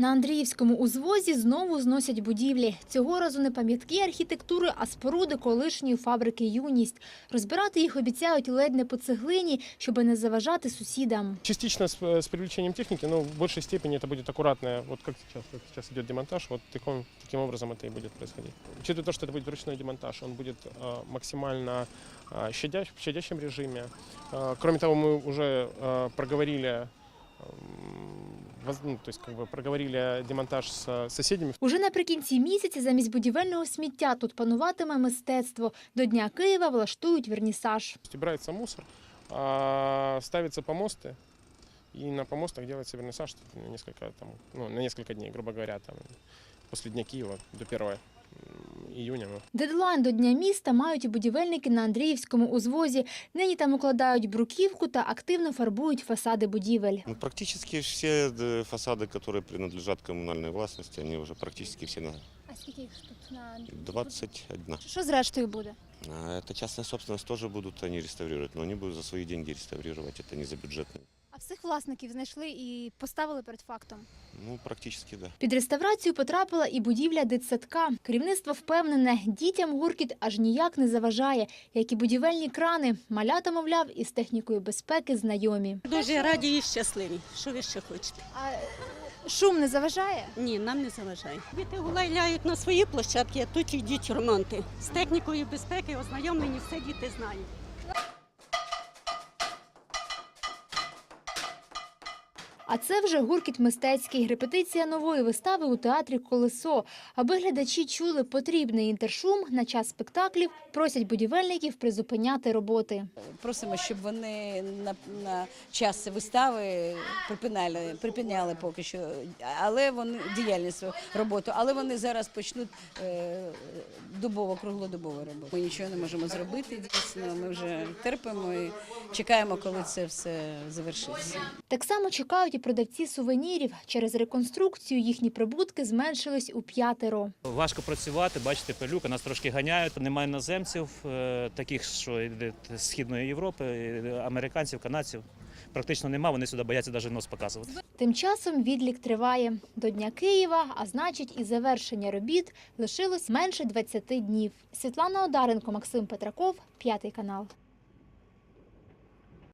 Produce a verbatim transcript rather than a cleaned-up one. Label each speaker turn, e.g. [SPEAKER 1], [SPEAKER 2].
[SPEAKER 1] На Андріївському узвозі знову зносять будівлі. Цього разу не пам'ятки архітектури, а споруди колишньої фабрики «Юність». Розбирати їх обіцяють ледь не по цеглині, щоб не заважати сусідам.
[SPEAKER 2] Частично с, с привлечением техники, но в большей степени это будет аккуратно. Вот как сейчас, как сейчас идет демонтаж, вот таким, таким образом это и будет происходить. Учитывая то, что это будет ручной демонтаж, он будет э, максимально э, щадящ, в щадящем режиме. Э, кроме того, мы уже э, проговорили Ну, то есть, как бы проговорили демонтаж з сусідами.
[SPEAKER 1] Уже наприкінці місяця замість будівельного сміття тут пануватиме мистецтво. До Дня Києва влаштують вернісаж.
[SPEAKER 2] Збирається мусор, ставляться помости, і на помостах робиться вернісаж на несколько, там, ну, на несколько днів, грубо говоря, там, після Дня Києва до першого июня.
[SPEAKER 1] Дедлайн до Дня міста мають і будівельники на Андріївському узвозі. Нині там укладають бруківку та активно фарбують фасади будівель.
[SPEAKER 3] Ну, практически всі фасади, які принадлежать комунальній власності, вони вже практично всі на
[SPEAKER 1] А скільки їх тут на
[SPEAKER 3] двадцять один.
[SPEAKER 1] Що з рештою буде?
[SPEAKER 3] Это частная собственность, тоже будут они реставрировать, но они будут за свои деньги реставрировать, это не за бюджетные.
[SPEAKER 1] А всіх власників знайшли і поставили перед фактом?
[SPEAKER 3] Ну, практически, да.
[SPEAKER 1] Під реставрацію потрапила і будівля дитсадка. Керівництво впевнене, дітям гуркіт аж ніяк не заважає, як і будівельні крани. Малята, мовляв, із технікою безпеки знайомі.
[SPEAKER 4] Дуже раді і щасливі. Що ви ще хочете?
[SPEAKER 1] А шум не заважає?
[SPEAKER 4] Ні, нам не заважає. Діти гуляють на свої площадки, а тут йдуть ремонти. З технікою безпеки ознайомлені, все діти знають.
[SPEAKER 1] А це вже гуркіт мистецький. Репетиція нової вистави у театрі «Колесо». Аби глядачі чули потрібний інтершум, на час спектаклів просять будівельників призупиняти роботи.
[SPEAKER 5] Просимо, щоб вони на, на час вистави припиняли, припиняли поки що, але вони діяльність роботу, але вони зараз почнуть е, добово, круглодобову роботу. Ми нічого не можемо зробити, дійсно, ми вже терпимо і чекаємо, коли це все завершиться.
[SPEAKER 1] Так само чекають і продавці сувенірів. Через реконструкцію їхні прибутки зменшились у п'ятеро.
[SPEAKER 6] Важко працювати, бачите, пилюка, нас трошки ганяють. Немає іноземців, таких, що йдуть з Східної Європи, американців, канадців. Практично немає, вони сюди бояться навіть нос показувати.
[SPEAKER 1] Тим часом відлік триває. До Дня Києва, а значить і завершення робіт, лишилось менше двадцяти днів. Світлана Одаренко, Максим Петраков, П'ятий канал.